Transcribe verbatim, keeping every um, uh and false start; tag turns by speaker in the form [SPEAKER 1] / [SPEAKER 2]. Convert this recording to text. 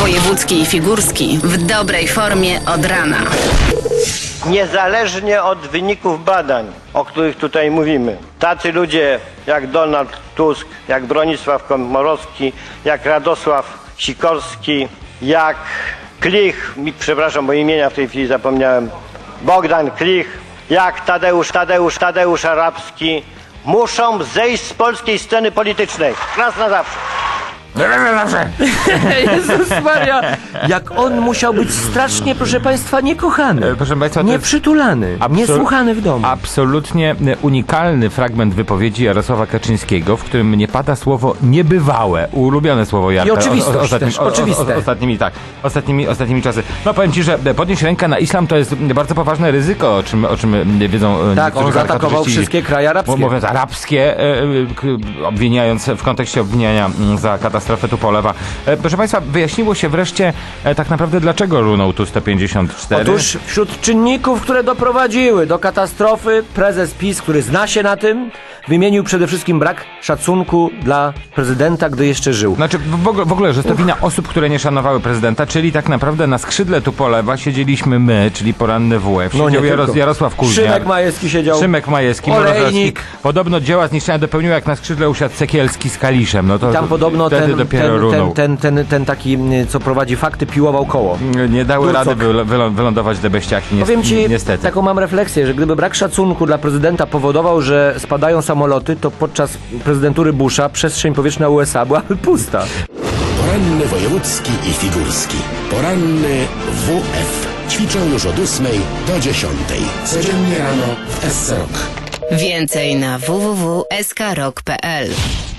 [SPEAKER 1] Wojewódzki i Figurski w dobrej formie od rana.
[SPEAKER 2] Niezależnie od wyników badań, o których tutaj mówimy, tacy ludzie jak Donald Tusk, jak Bronisław Komorowski, jak Radosław Sikorski, jak Klich, przepraszam, bo imienia w tej chwili zapomniałem, Bogdan Klich, jak Tadeusz, Tadeusz, Tadeusz Arabski, muszą zejść z polskiej sceny politycznej. Raz na zawsze.
[SPEAKER 3] Jezus Maria, jak on musiał być strasznie, proszę państwa, niekochany,
[SPEAKER 4] E, proszę państwa, to jest
[SPEAKER 3] nieprzytulany,
[SPEAKER 4] absol-
[SPEAKER 3] niesłuchany w domu.
[SPEAKER 4] Absolutnie unikalny fragment wypowiedzi Jarosława Kaczyńskiego, w którym nie pada słowo niebywałe, ulubione słowo Jarka.
[SPEAKER 3] I oczywistość też, oczywiste.
[SPEAKER 4] Ostatnimi, tak, ostatnimi, ostatnimi czasy. No powiem ci, że podnieść rękę na islam to jest bardzo poważne ryzyko, o czym, o czym wiedzą
[SPEAKER 3] Tak, on zaatakował
[SPEAKER 4] karykaturzyści,
[SPEAKER 3] wszystkie kraje arabskie.
[SPEAKER 4] mówiąc arabskie, e, e, k- obwiniając w kontekście obwiniania m, za katastrofę Tupolewa. E, proszę państwa, wyjaśniło się wreszcie e, tak naprawdę, dlaczego runął tu sto pięćdziesiąt cztery.
[SPEAKER 3] Otóż wśród czynników, które doprowadziły do katastrofy, prezes PiS, który zna się na tym, wymienił przede wszystkim brak szacunku dla prezydenta, gdy jeszcze żył.
[SPEAKER 4] Znaczy w ogóle, w ogóle, że to wina osób, które nie szanowały prezydenta, czyli tak naprawdę na skrzydle Tupolewa siedzieliśmy my, czyli poranny W F.
[SPEAKER 3] No nie
[SPEAKER 4] Siedział Jaros,
[SPEAKER 3] tylko.
[SPEAKER 4] Jarosław Kuźniar.
[SPEAKER 3] Szymek Majewski siedział.
[SPEAKER 4] Szymek Majewski,
[SPEAKER 3] Olejnik.
[SPEAKER 4] Mrożewski. Podobno dzieła zniszczenia dopełnił, jak na skrzydle usiadł Sekielski z Kaliszem. No to
[SPEAKER 3] Tam podobno
[SPEAKER 4] wtedy
[SPEAKER 3] ten,
[SPEAKER 4] dopiero
[SPEAKER 3] ten,
[SPEAKER 4] runął.
[SPEAKER 3] ten, ten, ten, ten taki, co prowadzi fakty, piłował koło.
[SPEAKER 4] Nie dały
[SPEAKER 3] Durcok.
[SPEAKER 4] rady wyl- wyl- wylądować te beściaki, ni-
[SPEAKER 3] Powiem ci,
[SPEAKER 4] niestety.
[SPEAKER 3] taką mam refleksję, że gdyby brak szacunku dla prezydenta powodował, że spadają samoloty, to podczas prezydentury Busha przestrzeń powietrzna U S A byłaby pusta.
[SPEAKER 5] Poranny wojewódzki i figurski. Poranny W F. Ćwiczą już od ósmej do dziesiątej. Codziennie rano w S C Rock.
[SPEAKER 1] Więcej na w w w kropka s k rock kropka p l.